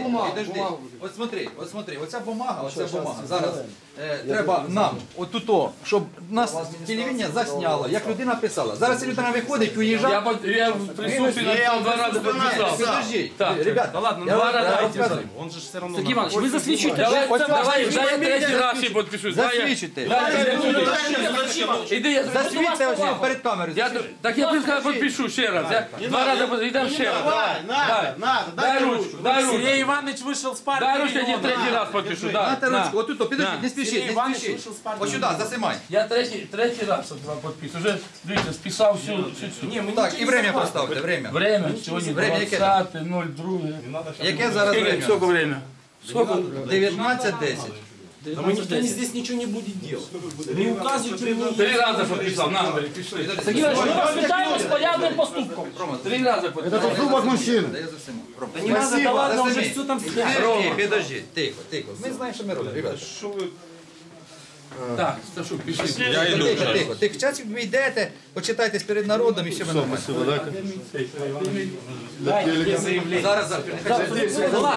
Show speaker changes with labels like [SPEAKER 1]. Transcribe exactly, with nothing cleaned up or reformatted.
[SPEAKER 1] бумагу,
[SPEAKER 2] Підожди.
[SPEAKER 1] бумагу.
[SPEAKER 2] От смотри, от смотри, оця бумага, оця бумага. Зараз е, треба нам, отуто, щоб нас телевізія засняло, як людина писала. Зараз ця людина виходить,
[SPEAKER 3] Я,
[SPEAKER 2] уїжджає.
[SPEAKER 3] под- я в присутствии написал два раза подписал.
[SPEAKER 2] Підожди,
[SPEAKER 3] Так,
[SPEAKER 2] ребята,
[SPEAKER 3] да ладно,
[SPEAKER 2] я
[SPEAKER 3] два
[SPEAKER 2] вам
[SPEAKER 3] раза
[SPEAKER 2] розказую.
[SPEAKER 4] Он же все равно...
[SPEAKER 1] Сергій Іванович, ви засвідчуйте.
[SPEAKER 3] Давай,
[SPEAKER 2] Ось
[SPEAKER 3] давай,
[SPEAKER 2] вас-
[SPEAKER 3] дай я
[SPEAKER 2] ви
[SPEAKER 3] третій
[SPEAKER 2] мене
[SPEAKER 3] раз ще підпишусь. Дай я-
[SPEAKER 2] Засвідчуйте.
[SPEAKER 3] дай я- Іди, я
[SPEAKER 2] Засвідьте ось перед камерою.
[SPEAKER 3] Я, так я тобі підпишу ще раз. Я два рази под- йдемо ще раз.
[SPEAKER 4] Давай, надо, надо,
[SPEAKER 3] Дай ручку, дай ручку.
[SPEAKER 1] Сергій Іванович вийшов з партії.
[SPEAKER 3] Дай ручку, я тебе третій раз підпишу. Да,
[SPEAKER 2] Нате
[SPEAKER 3] на.
[SPEAKER 2] ручку, отут, підожди,
[SPEAKER 3] На.
[SPEAKER 2] не спішіть,
[SPEAKER 1] Сергій
[SPEAKER 2] не
[SPEAKER 1] Іванович
[SPEAKER 2] спішіть.
[SPEAKER 1] вийшов з партії.
[SPEAKER 2] Ось сюди, засимай.
[SPEAKER 3] Я третій, третій раз от вам підписую. Вже, дивіться, списав всю, всю цю.
[SPEAKER 1] Ні, ми
[SPEAKER 2] Так,
[SPEAKER 1] нічого
[SPEAKER 2] і
[SPEAKER 1] не
[SPEAKER 2] время
[SPEAKER 1] забрали.
[SPEAKER 2] поставте, время.
[SPEAKER 3] Время, сьогодні
[SPEAKER 2] Время яке?
[SPEAKER 3] двадцяте ноль два.
[SPEAKER 2] Яке зараз
[SPEAKER 3] Скільки
[SPEAKER 2] время?
[SPEAKER 3] время? Сколько?
[SPEAKER 2] дев'ятнадцять десять.
[SPEAKER 1] Да мы никто здесь ничего не будет делать. Не указывайте мне.
[SPEAKER 3] Три рази підписав, на, бери, пішли.
[SPEAKER 1] Сергій Іванович, ми вас вітаємо з порядним поступком.
[SPEAKER 3] Три рази підписав.
[SPEAKER 5] Поступок мужчины.
[SPEAKER 2] Да я засиму. Рома.
[SPEAKER 1] Да не надо, да ладно, уже все там снято.
[SPEAKER 2] Підожди, підожди, тихо, тихо. Ми знаємо, що ми робимо, ребята.
[SPEAKER 3] Так, Сташук, пішли.
[SPEAKER 2] Тихо, тихо, тихо. Час ви йдете, почитайтесь перед народом і все ви нормально.
[SPEAKER 5] Для телека.
[SPEAKER 2] Зараз, завтра.